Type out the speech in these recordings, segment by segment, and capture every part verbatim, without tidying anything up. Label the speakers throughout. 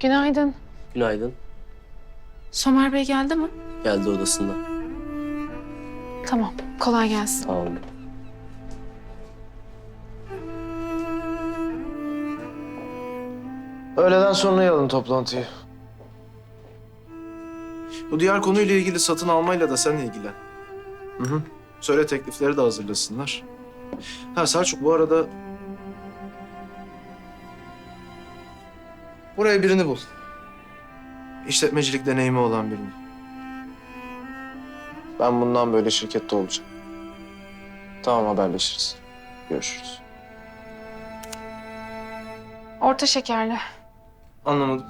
Speaker 1: Günaydın.
Speaker 2: Günaydın.
Speaker 1: Somer Bey geldi mi?
Speaker 2: Geldi odasında.
Speaker 1: Tamam. Kolay gelsin.
Speaker 2: Tamam.
Speaker 3: Öğleden sonra alın toplantıyı.
Speaker 4: Bu diğer konuyla ilgili satın almayla da sen ilgilen. Hı hı. Söyle teklifleri de hazırlasınlar. Ha Selçuk bu arada... Buraya birini bul. İşletmecilik deneyimi olan birini.
Speaker 3: Ben bundan böyle şirkette olacağım. Tamam, haberleşiriz. Görüşürüz.
Speaker 1: Orta şekerli.
Speaker 4: Anlamadım.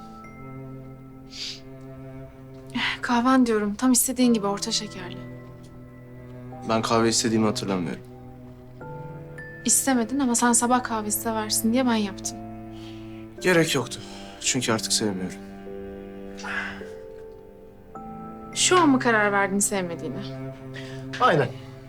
Speaker 1: Kahven diyorum. Tam istediğin gibi orta şekerli.
Speaker 4: Ben kahve istediğimi hatırlamıyorum.
Speaker 1: İstemedin ama sen sabah kahvesi seversin diye ben yaptım.
Speaker 4: Gerek yoktu. Çünkü artık sevmiyorum.
Speaker 1: Şu an mı karar verdin sevmediğine?
Speaker 4: Aynen.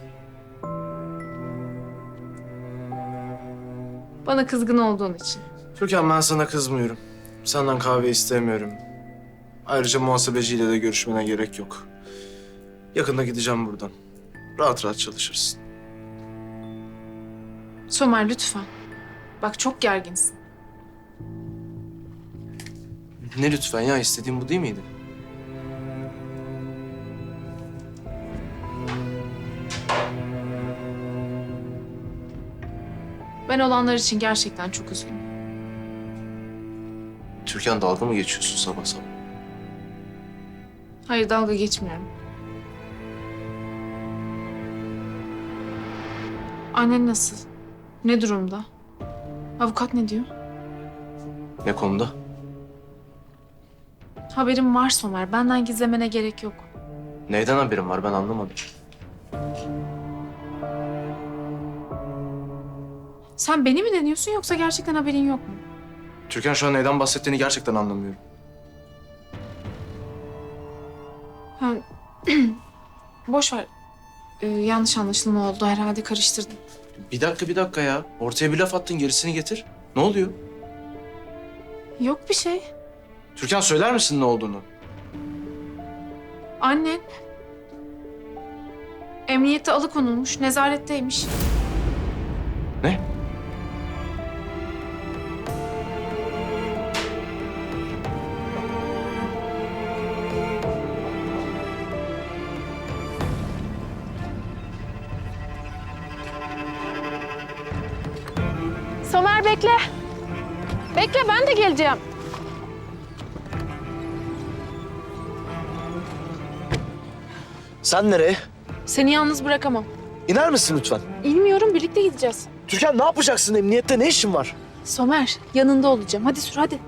Speaker 1: Bana kızgın olduğun için.
Speaker 4: Türkan ben sana kızmıyorum. Senden kahve istemiyorum. Ayrıca muhasebeciyle de görüşmene gerek yok. Yakında gideceğim buradan. Rahat rahat çalışırsın.
Speaker 1: Somer lütfen. Bak çok gerginsin.
Speaker 4: Ne lütfen ya, istediğim bu değil miydi?
Speaker 1: Ben olanlar için gerçekten çok üzgünüm.
Speaker 4: Türkan dalga mı geçiyorsun sabah sabah?
Speaker 1: Hayır dalga geçmiyorum. Annen nasıl? Ne durumda? Avukat ne diyor?
Speaker 4: Ne konuda?
Speaker 1: Haberim var Somer. Benden gizlemene gerek yok.
Speaker 4: Neyden haberin var ben anlamadım.
Speaker 1: Sen beni mi deniyorsun yoksa gerçekten haberin yok mu?
Speaker 4: Türkan şu an neyden bahsettiğini gerçekten anlamıyorum.
Speaker 1: Ha, boş ver. Ee, yanlış anlaşılma oldu herhalde karıştırdım.
Speaker 4: Bir dakika bir dakika ya. Ortaya bir laf attın, gerisini getir. Ne oluyor?
Speaker 1: Yok bir şey.
Speaker 4: Türkan söyler misin ne olduğunu?
Speaker 1: Annen emniyette alıkonulmuş, nezaretteymiş.
Speaker 4: Ne?
Speaker 1: Somer bekle. Bekle ben de geleceğim.
Speaker 3: Sen nereye?
Speaker 1: Seni yalnız bırakamam.
Speaker 3: İner misin lütfen?
Speaker 1: İlmiyorum birlikte gideceğiz.
Speaker 3: Türkan ne yapacaksın? Emniyette ne işin var?
Speaker 1: Somer yanında olacağım. Hadi sür hadi.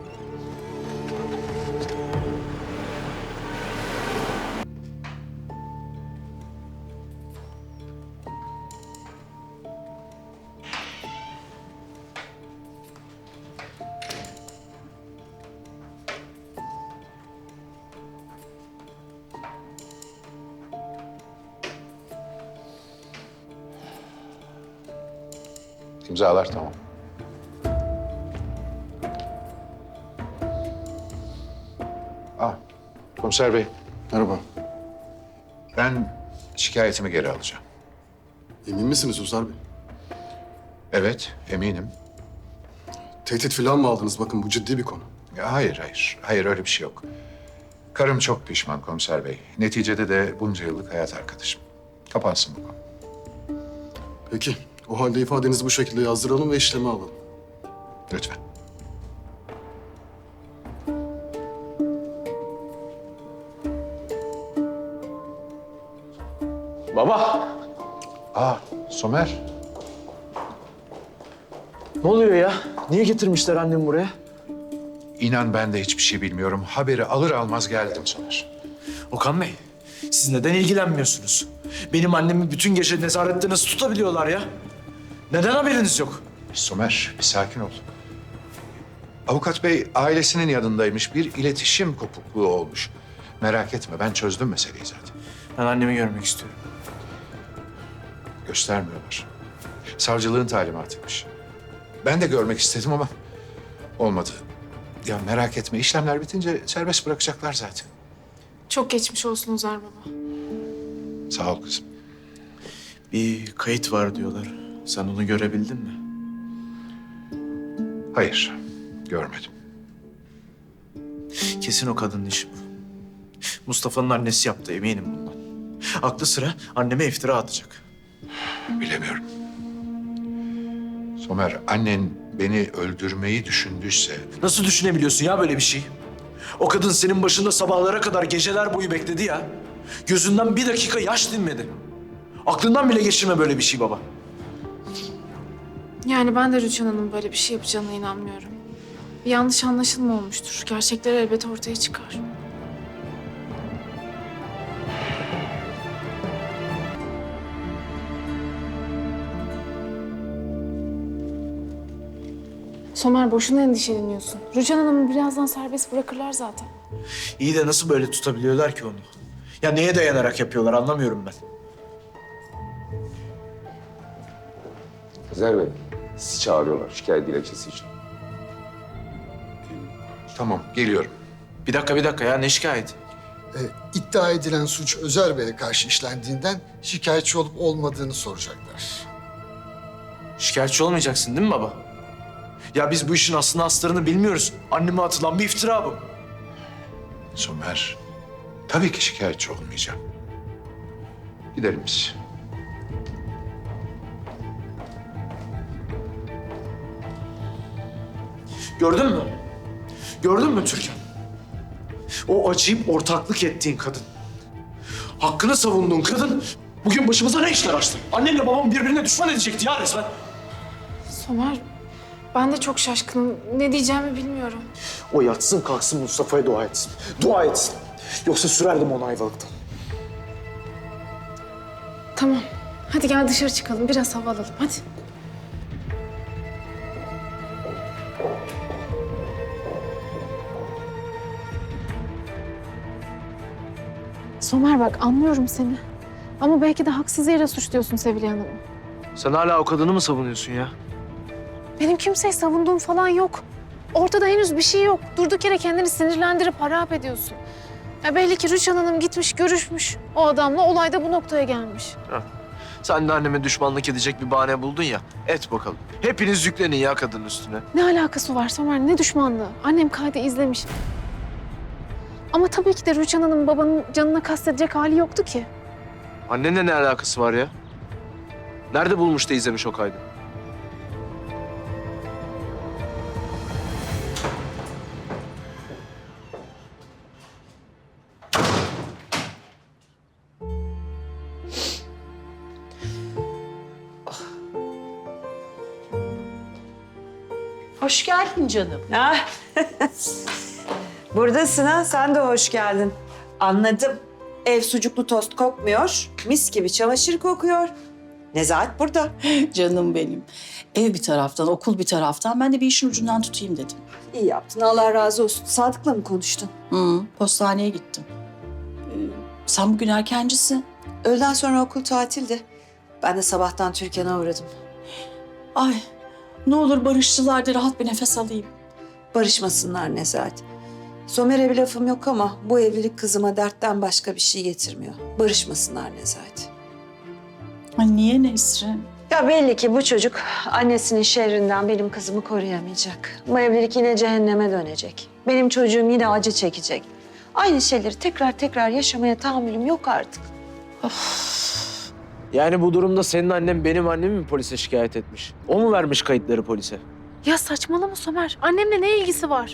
Speaker 5: İmzalar tamam. Ah, komiser bey.
Speaker 6: Merhaba.
Speaker 5: Ben şikayetimi geri alacağım.
Speaker 6: Emin misiniz Uzar Bey?
Speaker 5: Evet, eminim.
Speaker 6: Tehdit falan mı aldınız? Bakın bu ciddi bir konu.
Speaker 5: Ya hayır, hayır. Hayır, öyle bir şey yok. Karım çok pişman komiser bey. Neticede de bunca yıllık hayat arkadaşım. Kapansın bu konu.
Speaker 6: Peki. O halde ifadenizi bu şekilde yazdıralım ve işleme alalım.
Speaker 5: Lütfen.
Speaker 3: Baba!
Speaker 5: Aa, Somer.
Speaker 3: Ne oluyor ya? Niye getirmişler annemi buraya?
Speaker 5: İnan ben de hiçbir şey bilmiyorum. Haberi alır almaz geldim Somer.
Speaker 7: Okan Bey, siz neden ilgilenmiyorsunuz? Benim annemi bütün gece nezarette nasıl tutabiliyorlar ya? Neden haberiniz yok?
Speaker 5: Somer, bir sakin ol. Avukat bey ailesinin yanındaymış. Bir iletişim kopukluğu olmuş. Merak etme, ben çözdüm meseleyi zaten.
Speaker 7: Ben annemi görmek istiyorum.
Speaker 5: Göstermiyorlar. Savcılığın talimatıymış. Ben de görmek istedim ama olmadı. Ya merak etme, işlemler bitince serbest bırakacaklar zaten.
Speaker 1: Çok geçmiş olsun Özer baba.
Speaker 5: Sağ ol kızım.
Speaker 4: Bir kayıt var diyorlar. Sen onu görebildin mi?
Speaker 5: Hayır, görmedim.
Speaker 4: Kesin o kadının işi bu. Mustafa'nın annesi yaptı, eminim bundan. Aklı sıra anneme iftira atacak.
Speaker 5: Bilemiyorum. Somer, annen beni öldürmeyi düşündüyse...
Speaker 7: Nasıl düşünebiliyorsun ya böyle bir şey? O kadın senin başında sabahlara kadar geceler boyu bekledi ya. Gözünden bir dakika yaş dinmedi. Aklından bile geçirme böyle bir şey baba.
Speaker 1: Yani ben de Rüçhan Hanım böyle bir şey yapacağına inanmıyorum. Bir yanlış anlaşılma olmuştur. Gerçekler elbet ortaya çıkar. Somer boşuna endişeleniyorsun. Rüçhan Hanım'ı birazdan serbest bırakırlar zaten.
Speaker 7: İyi de nasıl böyle tutabiliyorlar ki onu? Ya neye dayanarak yapıyorlar anlamıyorum ben.
Speaker 2: Özer Bey, sizi çağırıyorlar şikayet dilekçesi için.
Speaker 5: Tamam, geliyorum.
Speaker 4: Bir dakika, bir dakika ya. Ne şikayeti?
Speaker 8: E, iddia edilen suç Özer Bey'e karşı işlendiğinden şikayetçi olup olmadığını soracaklar.
Speaker 7: Şikayetçi olmayacaksın değil mi baba? Ya biz bu işin aslını astarını bilmiyoruz. Anneme atılan bir iftira bu.
Speaker 5: Somer, tabii ki şikayetçi olmayacağım. Gidelim biz.
Speaker 7: Gördün mü? Gördün mü Türkan? O acıyıp ortaklık ettiğin kadın. Hakkını savunduğun kadın bugün başımıza ne işler açtı? Annenle babam birbirine düşman edecekti ya resmen.
Speaker 1: Somer, ben de çok şaşkınım. Ne diyeceğimi bilmiyorum.
Speaker 7: O yatsın kalksın Mustafa'ya dua etsin. Dua etsin. Yoksa sürerdim onu Ayvalık'tan.
Speaker 1: Tamam. Hadi gel dışarı çıkalım. Biraz hava alalım. Hadi. Somer bak anlıyorum seni. Ama belki de haksız yere suçluyorsun Sevilay Hanım'ı.
Speaker 4: Sen hala o kadını mı savunuyorsun ya?
Speaker 1: Benim kimseyi savunduğum falan yok. Ortada henüz bir şey yok. Durduk yere kendini sinirlendirip harap ediyorsun. Ya belli ki Rüçhan Hanım gitmiş, görüşmüş. O adamla olay da bu noktaya gelmiş.
Speaker 4: Sen de anneme düşmanlık edecek bir bahane buldun ya. Et bakalım. Hepiniz yüklenin ya kadının üstüne.
Speaker 1: Ne alakası var Somer? Ne düşmanlığı? Annem kaydı izlemiş. Ama tabii ki de Rüçhan Hanım babanın canına kastedecek hali yoktu ki.
Speaker 4: Annenle ne alakası var ya? Nerede bulmuş da izlemiş o kaydı?
Speaker 9: Hoş geldin canım.
Speaker 10: Ah. Buradasın ha, sen de hoş geldin. Anladım. Ev sucuklu tost kokmuyor, mis gibi çamaşır kokuyor. Nezahat burada.
Speaker 9: Canım benim. Ev bir taraftan, okul bir taraftan. Ben de bir işin ucundan tutayım dedim.
Speaker 10: İyi yaptın, Allah razı olsun. Sadık'la mı konuştun?
Speaker 9: Hı, postaneye gittim. Ee, sen bugün erkencisin.
Speaker 10: Öğleden sonra okul tatildi. Ben de sabahtan Türkan'a uğradım.
Speaker 9: Ay, ne olur barıştılar da rahat bir nefes alayım.
Speaker 10: Barışmasınlar Nezahat. Somer'e bir lafım yok ama bu evlilik kızıma dertten başka bir şey getirmiyor. Barışmasınlar Nezahat.
Speaker 9: Ay niye Nesrin?
Speaker 10: Ya belli ki bu çocuk annesinin şerrinden benim kızımı koruyamayacak. Bu evlilik yine cehenneme dönecek. Benim çocuğum yine acı çekecek. Aynı şeyleri tekrar tekrar yaşamaya tahammülüm yok artık.
Speaker 4: Yani bu durumda senin annen benim annemi mi polise şikayet etmiş? O mu vermiş kayıtları polise?
Speaker 1: Ya saçmalama Somer. Annemle ne ilgisi var?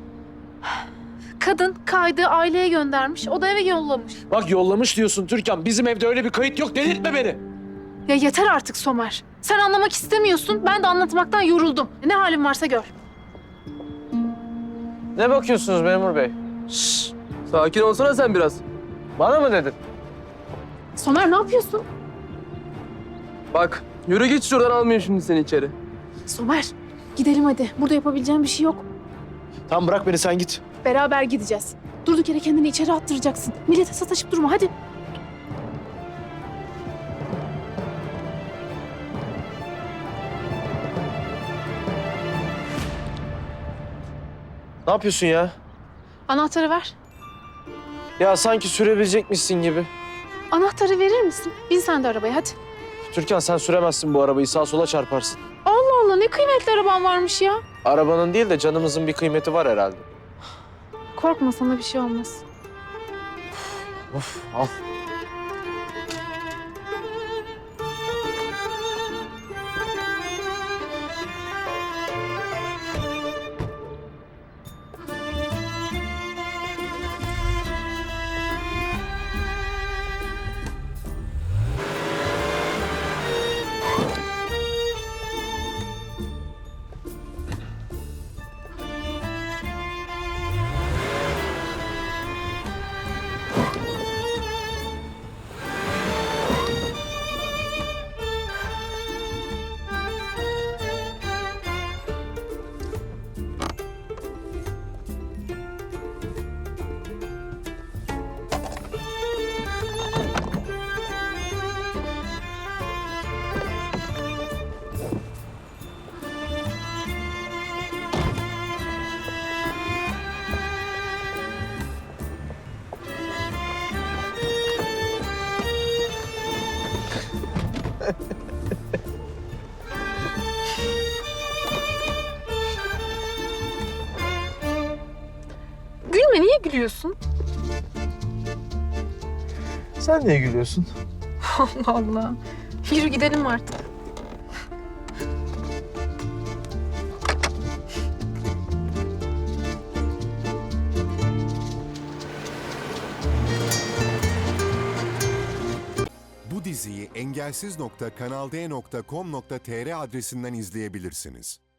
Speaker 1: Kadın kaydı aileye göndermiş. O da eve yollamış.
Speaker 4: Bak yollamış diyorsun Türkan. Bizim evde öyle bir kayıt yok. Delirtme beni.
Speaker 1: Ya yeter artık Somer. Sen anlamak istemiyorsun. Ben de anlatmaktan yoruldum. Ne halin varsa gör.
Speaker 3: Ne bakıyorsunuz memur bey? Şşş, sakin olsana sen biraz. Bana mı dedin?
Speaker 1: Somer ne yapıyorsun?
Speaker 3: Bak, yürü git şuradan, almayayım şimdi seni içeri.
Speaker 1: Somer gidelim hadi. Burada yapabileceğim bir şey yok.
Speaker 7: Tamam bırak beni sen git.
Speaker 1: Beraber gideceğiz. Durduk yere kendini içeri attıracaksın. Millete sataşıp durma hadi.
Speaker 3: Ne yapıyorsun ya?
Speaker 1: Anahtarı ver.
Speaker 3: Ya sanki sürebilecekmişsin gibi.
Speaker 1: Anahtarı verir misin? Bin sen de arabaya hadi.
Speaker 3: Türkan sen süremezsin bu arabayı. Sağa sola çarparsın.
Speaker 1: Allah Allah ne kıymetli araban varmış ya.
Speaker 3: Arabanın değil de canımızın bir kıymeti var herhalde.
Speaker 1: Korkma sana bir şey olmaz.
Speaker 3: Of al.
Speaker 1: Gülme niye gülüyorsun?
Speaker 3: Sen niye gülüyorsun?
Speaker 1: Allah Allah. Yürü gidelim artık.
Speaker 11: Bu diziyi engelsiz nokta kanal d nokta com nokta tr adresinden izleyebilirsiniz.